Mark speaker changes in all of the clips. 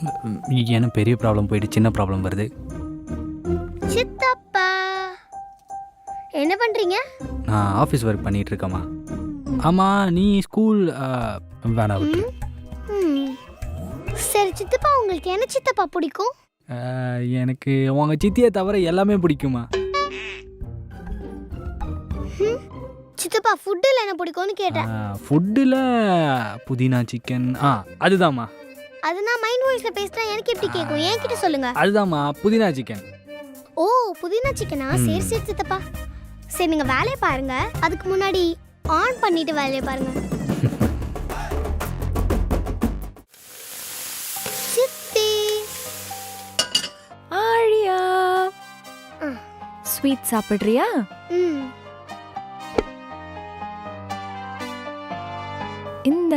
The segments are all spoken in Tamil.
Speaker 1: எனக்கு பெரிய ப்ராப்ளம் போயிட்டு சின்ன ப்ராப்ளம் வருது.
Speaker 2: சித்தப்பா என்ன பண்றீங்க?
Speaker 1: நான் ஆஃபீஸ் ஒர்க் பண்ணிகிட்டு இருக்கேம்மா. ஆமாம், நீ ஸ்கூல் வேணாம் விட்டு.
Speaker 2: சரி சித்தப்பா, உங்களுக்கு என்ன சித்தப்பா பிடிக்கும்?
Speaker 1: எனக்கு உங்கள் சித்தியை தவிர எல்லாமே பிடிக்குமா.
Speaker 2: சித்தப்பா ஃபுட்டில் என்ன பிடிக்கும்னு கேட்டேன்.
Speaker 1: ஃபுட்டில் புதினா சிக்கன். அதுதாம்மா.
Speaker 2: அது நான் மைண்ட் வாய்ஸில் பேசினா எனக்கு எப்படி கேட்கும்? என்கிட்ட சொல்லுங்க.
Speaker 1: அதுதாம்மா புதினா சிக்கன்.
Speaker 2: ஓ, புதினா சிக்கனா? சரி சரி சித்தப்பா. சரி, நீங்கள் வேலையை பாருங்க. அதுக்கு முன்னாடி ஆன் பண்ணிட்டு வேலையை பாருங்க. சித்தி
Speaker 3: ஆழியா, ஸ்வீட் சாப்பிட்றியா? இந்தா.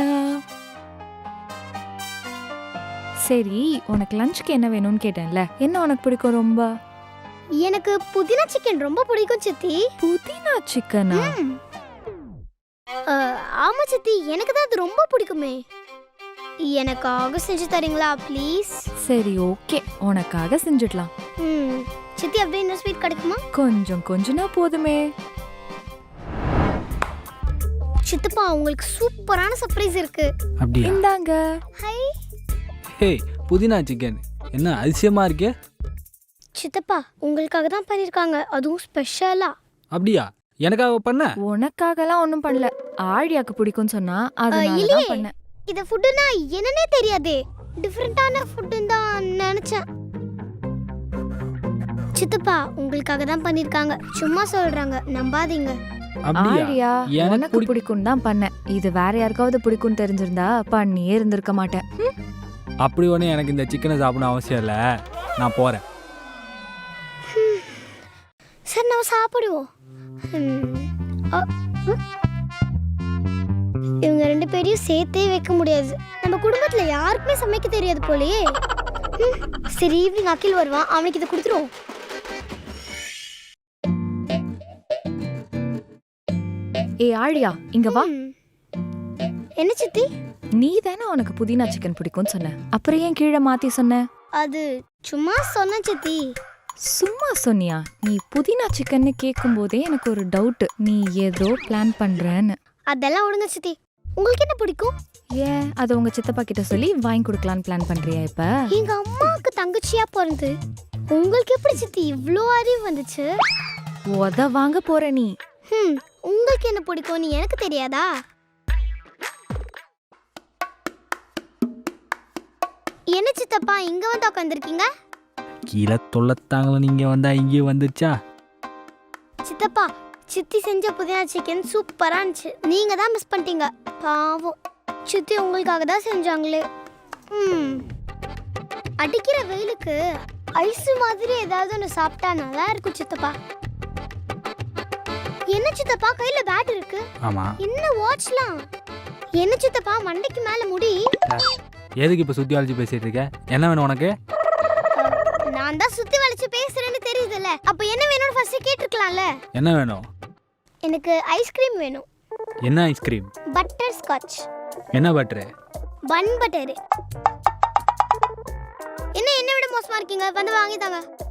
Speaker 3: சரி, உனக்கு லஞ்சுக்கு என்ன வேணும்னு கேட்டேன்ல, என்ன உனக்கு பிடிக்கும் ரொம்ப?
Speaker 2: எனக்கு புதினா சிக்கன் ரொம்ப பிடிக்கும் சித்தி.
Speaker 3: புதினா சிக்கனா?
Speaker 2: ஆமா சித்தி, எனக்கு தான் அது ரொம்ப பிடிக்குமே. எனக்காக செஞ்சு தரீங்களா ப்ளீஸ்?
Speaker 3: சரி, ஓகே, உனக்காக செஞ்சிடலாம்.
Speaker 2: சித்தி, அப்படியே இன்னும் ஸ்வீட் கிடைக்குமா?
Speaker 3: கொஞ்சம் கொஞ்சனா போதுமே.
Speaker 2: சித்தப்பா, உங்களுக்கு சூப்பரான சர்ப்ரைஸ் இருக்கு.
Speaker 1: அப்படியா?
Speaker 3: இந்தாங்க.
Speaker 2: ஹை.
Speaker 1: ஹே, புதினா சிக்கன் என்ன அதிசயமா இருக்கே.
Speaker 2: சித்தப்பா, உங்களுக்காக தான் பண்ணிருக்காங்க, அதுவும் ஸ்பெஷலா.
Speaker 1: அப்படியா? எனக்காக பண்ண?
Speaker 3: உனக்காகலாம் ஒன்றும் பண்ணல, ஆழியாக்கு பிடிக்கும்னு சொன்னா அதனால தான் பண்ணேன்.
Speaker 2: இது ஃபுட்டுனா என்னன்னே தெரியாதே, டிஃபரெண்டான ஃபுட்டுன்னு தான் நினைச்சேன். சித்தப்பா, உங்களுக்காக தான் பண்ணிருக்காங்க, சும்மா சொல்றாங்க, நம்பாதீங்க.
Speaker 3: ஆழியா, எனக்கு பிடிக்கும் தான் பண்ணேன். இது வேற யாருக்காவது பிடிக்கும்னு தெரிஞ்சிருந்தா பண்ணியே இருந்திருக்க மாட்டேன்.
Speaker 1: அப்படி ஒன்று எனக்கு இந்த சிக்கனை சாப்பிடணும் அவசியம் இல்லை, நான் போகிறேன்.
Speaker 2: சரி, நம்ம சாப்பிடுவோம். இவங்க ரெண்டு பேரையும் சேர்த்தே வைக்க முடியாது. நம்ம குடும்பத்துல யாருக்குமே சமைக்க தெரியாது போலயே. சரி, ஈவினிங் அகில் வருவான், அவனுக்கு இதை கொடுத்துருவோம்.
Speaker 3: ஏ ஆழியா, இங்க வா.
Speaker 2: என்ன சித்தி?
Speaker 3: நீ தானே உனக்கு புதினா சிக்கன் பிடிக்கும்னு சொன்ன, அப்புறம் ஏன் கீழே மாத்தி சொன்ன?
Speaker 2: அது சும்மா சொன்ன சித்தி.
Speaker 3: சும்மா சொன்னியா? நீ புதினா சிக்கன்னு கேட்கும் போதே எனக்கு ஒரு டவுட், நீ ஏதோ பிளான் பண்றேன்னு.
Speaker 2: அதெல்லாம் விடுங்க சித்தி, உங்களுக்கு என்ன பிடிக்கும்?
Speaker 3: ஏன் அதை உங்க சித்தப்பா கிட்ட சொல்லி வாங்கி கொடுக்கலான்னு பிளான் பண்றியா? இப்ப
Speaker 2: எங்க அம்மாவுக்கு தங்கச்சியா பிறந்து உங்களுக்கு எப்படி சித்தி இவ்ளோ அறிவு வந்துச்சு?
Speaker 3: உத வாங்க போற நீ.
Speaker 2: உங்களுக்கு என்ன பிடிக்கும்னு எனக்கு தெரியாதா? என்ன சித்தப்பா இங்க வந்து உட்காந்துருக்கீங்க?
Speaker 1: கீழே தொல்லத்தாங்கள, நீங்க வந்தா இங்கே வந்துச்சா?
Speaker 2: சித்தப்பா, சித்தி செஞ்ச புதினா சிக்கன் சூப்பரா இருந்துச்சு, நீங்க தான் மிஸ் பண்ணிட்டீங்க. பாவம், சித்தி உங்களுக்காக தான் செஞ்சாங்களே. அடிக்கிற வெயிலுக்கு ஐஸ் மாதிரி ஏதாவது ஒன்று சாப்பிட்டா நல்லா இருக்கும் சித்தப்பா. என்ன சித்தப்பா கையில பேட் இருக்கு?
Speaker 1: ஆமா.
Speaker 2: என்ன வாட்ச்லாம்? என்ன சித்தப்பா மண்டைக்கு மேல முடி?
Speaker 1: எதுக்கு இப்ப சுத்தி வளைச்சு பேசிட்டு இருக்க? என்ன வேணும் உனக்கு?
Speaker 2: நான் தான் சுத்தி வளைச்சு பேசுறேன்னு தெரியுதுல்ல, அப்ப என்ன வேணும்னு ஃபர்ஸ்ட் கேட்டிருக்கலாம்ல.
Speaker 1: என்ன வேணும்?
Speaker 2: எனக்கு ஐஸ்கிரீம் வேணும்.
Speaker 1: என்ன ஐஸ்கிரீம்?
Speaker 2: Butter scotch.
Speaker 1: என்ன பட்டர்?
Speaker 2: Bun butter. என்ன விட மோசமா இருக்கீங்க, வந்து வாங்கி தாங்க.